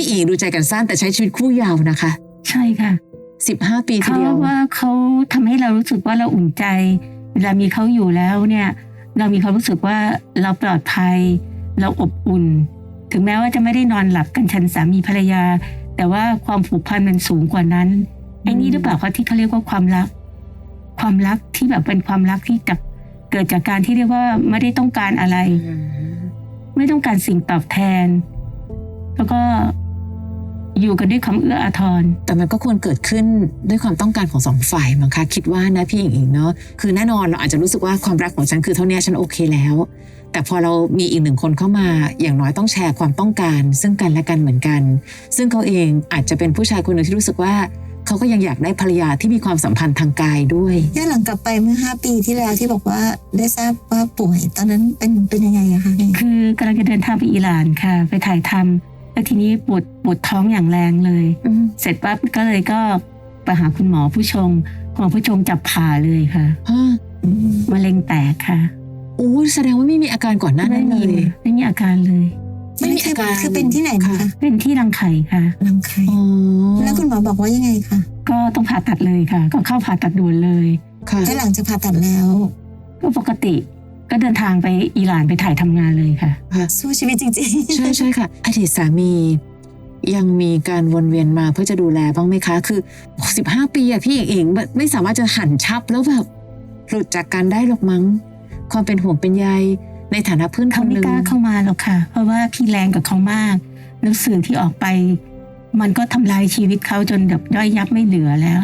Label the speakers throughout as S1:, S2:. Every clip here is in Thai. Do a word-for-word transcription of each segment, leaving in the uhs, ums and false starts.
S1: อีดูใจกันสั้นแต่ใช้ชีวิตคู่ยาวนะคะ
S2: ใช่ค่ะ
S1: สิบห้าปีทีเดียว
S2: เขาว่าเขาทำให้เรารู้สึกว่าเราอุ่นใจเวลามีเขาอยู่แล้วเนี่ยเรามีความรู้สึกว่าเราปลอดภัยเราอบอุ่นถึงแม้ว่าจะไม่ได้นอนหลับกันฉันสามีภรรยาแต่ว่าความผูกพันมันสูงกว่านั้นไอ้นี่หรือเปล่าคะที่เขาเรียกว่าความรักความรักที่แบบเป็นความรักที่จะเกิดจากการที่เรียกว่าไม่ได้ต้องการอะไรไม่ต้องการสิ่งตอบแทนแล้วก็อยู่กันด้วยความเอื้ออาทร
S1: แต่มันก็ควรเกิดขึ้นด้วยความต้องการของสองฝ่ายมั้งคะคิดว่านะพี่หญิงอิงเนาะคือแน่นอนเราอาจจะรู้สึกว่าความรักของฉันคือเท่านี้ฉันโอเคแล้วแต่พอเรามีอีกหนึ่งคนเข้ามาอย่างน้อยต้องแชร์ความต้องการซึ่งกันและกันเหมือนกันซึ่งเขาเองอาจจะเป็นผู้ชายคนหนึ่งที่รู้สึกว่าเขาก็ยังอยากได้ภรรยาที่มีความสัมพันธ์ทางกายด้วย
S3: ย้อนหลังกลับไปเมื่อห้าปีที่แล้วที่บอกว่าได้ทราบว่าป่วยตอนนั้นเป็นเป็นยังไงอะคะ
S2: คือกำลังจะเดินทางไปอิหร่านค่ะไปถ่ายทำแล้วทีนี้ปวดปวดท้องอย่างแรงเลยเสร็จปั๊บก็เลยก็ไปหาคุณหมอผู้ชงหมอผู้ชงจับผ่าเลยค่ะมะเร็งแตกค่ะ
S1: โอ้แสดงว่าไม่มีอาการก่อนหน้านั้นเลย
S2: ไม่มีอาการเลย
S3: ไม่มีอาการคือเป็นที่ไหนคะ
S2: เป็นที่รังไข่ค่ะ
S3: รังไข่แล้วคุณหมอบอกว่ายังไงคะ
S2: ก็ต้องผ่าตัดเลยค่ะก็เข้าผ่าตัดด่วนเลย
S3: ค่ะแล้วหลังจากผ่าตัดแล้ว
S2: ก็ปกติก็เดินทางไปอิหร่านไปถ่ายทำงานเลยค่ะ
S3: สู้ชีวิตจริง
S1: ๆใช่ใช่ค่ะอดีตสามียังมีการวนเวียนมาเพื่อจะดูแลบ้างไหมคะคือสิบห้าปีอะพี่เองไม่สามารถจะหันชับแล้วแบบหลุดจากกันได้หรอกมั้งความเป็นห่วงเป็นใยในฐานะเพื่อนคนหนึ่ง
S2: เขาไม่กล้าเข้ามาหรอกค่ะเพราะว่าพี่แรงกับเขามากแล้วสื่อที่ออกไปมันก็ทำลายชีวิตเขาจนแบบย่อยยับไม่เหลือแล้ว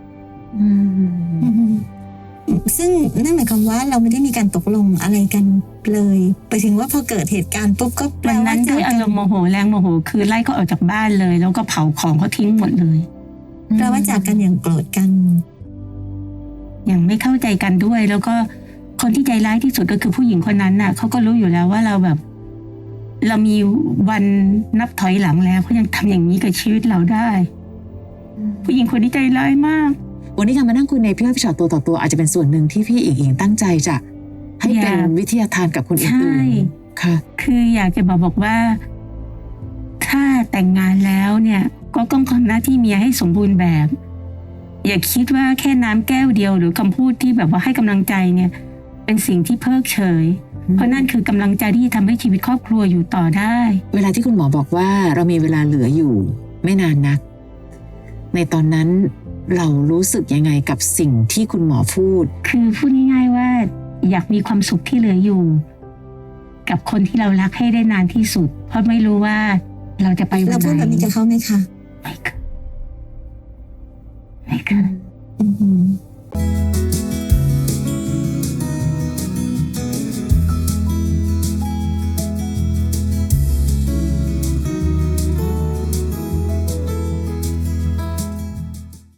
S3: ซึ่งนั่นหมายความว่าเราไม่ได้มีการตกลงอะไรกันเลยไปถึงว่าพอเกิดเหตุการณ์ปุ๊บก็
S2: แปลว่านั้นด้วยอารมณ์โมโหแรงโมโหคือไล่เขาออกจากบ้านเลยแล้วก็เผาของเขาทิ้งหมดเลย
S3: แปลว่าจากกันอย่างโกรธกัน
S2: อย่างไม่เข้าใจกันด้วยแล้วก็คนที่ใจร้ายที่สุดก็คือผู้หญิงคนนั้นน่ะเขาก็รู้อยู่แล้วว่าเราแบบเรามีวันนับถอยหลังแล้วเขายังทำอย่างนี้กับชีวิตเราได้ผู้หญิงคนนี้ใจร้ายมาก
S1: วันนี้การมานั่งคุยในพี่อ้อยพี่ชอตตัวต่อตัวอาจจะเป็นส่วนหนึ่งที่พี่อิงอิงตั้งใจจะให้เป็นวิทยาทานกับคนอื่นๆค่ะ
S2: คืออยากจะบอกบอกว่าถ้าแต่งงานแล้วเนี่ยก็ต้องทำหน้าที่เมียให้สมบูรณ์แบบอย่าคิดว่าแค่น้ำแก้วเดียวหรือคำพูดที่แบบว่าให้กำลังใจเนี่ยเป็นสิ่งที่เพิกเฉยเพราะนั่นคือกำลังใจที่จะทำให้ชีวิตครอบครัวอยู่ต่อได้
S1: เวลาที่คุณหมอบอกว่าเรามีเวลาเหลืออยู่ไม่นานนักในตอนนั้นเรารู้สึกยังไงกับสิ่งที่คุณหมอพูด
S2: คือพูดง่ายๆว่าอยากมีความสุขที่เหลืออยู่กับคนที่เรารักให้ได้นานที่สุดเพราะไม่รู้ว่าเราจะไปวันไหน
S3: เราพูดแบบนี้กับเขาไหมคะ
S2: ไม่เคยไม่เคย